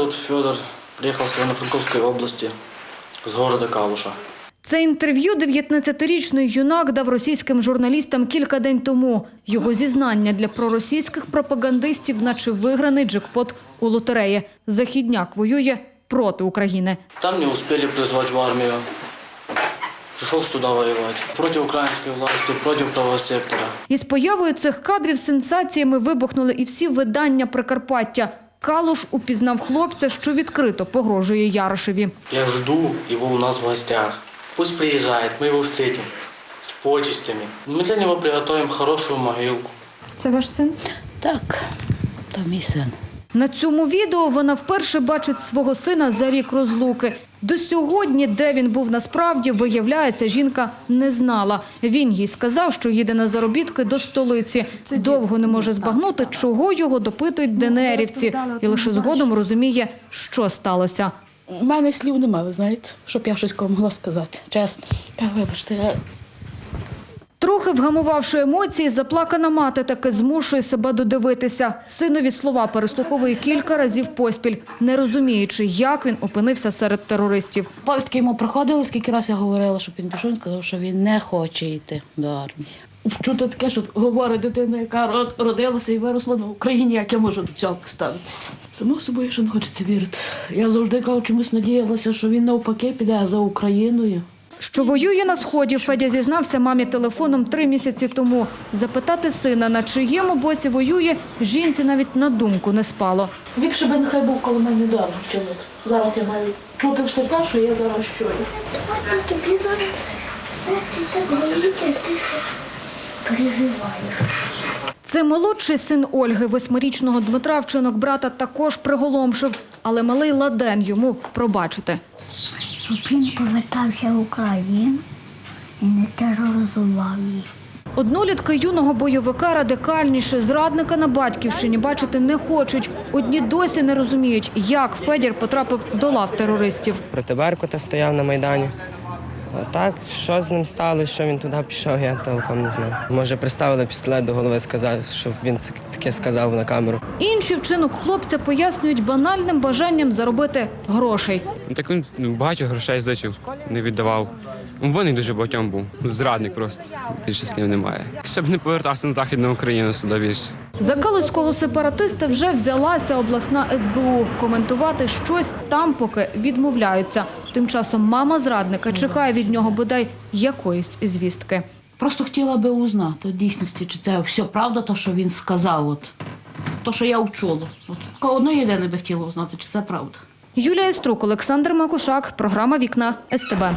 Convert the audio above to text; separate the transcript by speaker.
Speaker 1: зовут Федор. Приехал с Ивано-Франковской области, с города Калуша.
Speaker 2: Це інтерв'ю 19-річний юнак дав російським журналістам кілька день тому. Його зізнання для проросійських пропагандистів, наче виграний джекпот у лотереї. Західняк воює проти України.
Speaker 1: Там не успели призвать в армию. Пришел сюда воевать. Против украинской власти, против правого сектора.
Speaker 2: Із появою цих кадрів сенсаціями вибухнули і всі видання Прикарпаття. Калуш упізнав хлопця, що відкрито погрожує Ярошеві.
Speaker 1: Я жду его у нас в гостях. Пусть приезжает, мы его встретим с почестями. Мы для него приготовим хорошую могилку.
Speaker 2: Це ваш син?
Speaker 3: Так, то мій син.
Speaker 2: На цьому відео вона вперше бачить свого сина за рік розлуки. До сьогодні, де він був насправді, виявляється, жінка не знала. Він їй сказав, що їде на заробітки до столиці. Довго не може збагнути, чого його допитують ДНРівці. І лише згодом розуміє, що сталося.
Speaker 3: У мене слів немає, ви знаєте, щоб я щось кому могла сказати. Чесно. Вибачте,
Speaker 2: Трохи вгамувавши емоції, заплакана мати таки змушує себе додивитися. Синові слова переслуховує кілька разів поспіль, не розуміючи, як він опинився серед терористів.
Speaker 3: повістки йому проходили, скільки разів я говорила, щоб він пішов, він сказав, що він не хоче йти до армії. Чути таке, що говорить дитина, яка родилася і виросла на Україні, як я можу до цього ставитися. Само собою, що не хочеться вірити. Я завжди кажу, чомусь надіялася, що він навпаки піде за Україною.
Speaker 2: Що воює на Сході, Федя зізнався мамі телефоном 3 місяці тому. Запитати сина, на чиєму боці воює, жінці навіть на думку не спало.
Speaker 3: Ліпше би нехай був коло мене вдома чоловік. Зараз я маю чути все те, що я зараз чую.
Speaker 4: Тобі зараз в серці так болить, ти переживаєш.
Speaker 2: Це молодший син Ольги, 8-річного Дмитра, вчинок брата також приголомшив. Але малий ладен йому пробачити.
Speaker 4: Щоб він повертався в Україну і не тероризував їх.
Speaker 2: Однолітки юного бойовика радикальніше, зрадника на батьківщині бачити не хочуть. Одні досі не розуміють, як Федір потрапив до лав терористів.
Speaker 5: Проти Беркута стояв на Майдані. А так, що з ним сталося, що він туди пішов, я толком не знаю. Може, приставили пістолет до голови, сказав, щоб він таке сказав на камеру.
Speaker 2: Інші вчинок хлопця пояснюють банальним бажанням заробити грошей.
Speaker 6: Так він багато грошей зичив, не віддавав. Вони дуже багатьом був. Зрадник просто. Більше слів немає. Щоб не повертався на Західну Україну сюди більше.
Speaker 2: За калузького сепаратиста вже взялася обласна СБУ. Коментувати щось там поки відмовляються. Тим часом мама зрадника чекає від нього бодай якоїсь звістки.
Speaker 3: Просто хотіла би узнати, в дійсності, чи це все правда, то, що він сказав, то, що я вчула. Одно єдине би хотіла узнати, чи це правда.
Speaker 2: Юлія Струк, Олександр Макушак, програма «Вікна» СТБ.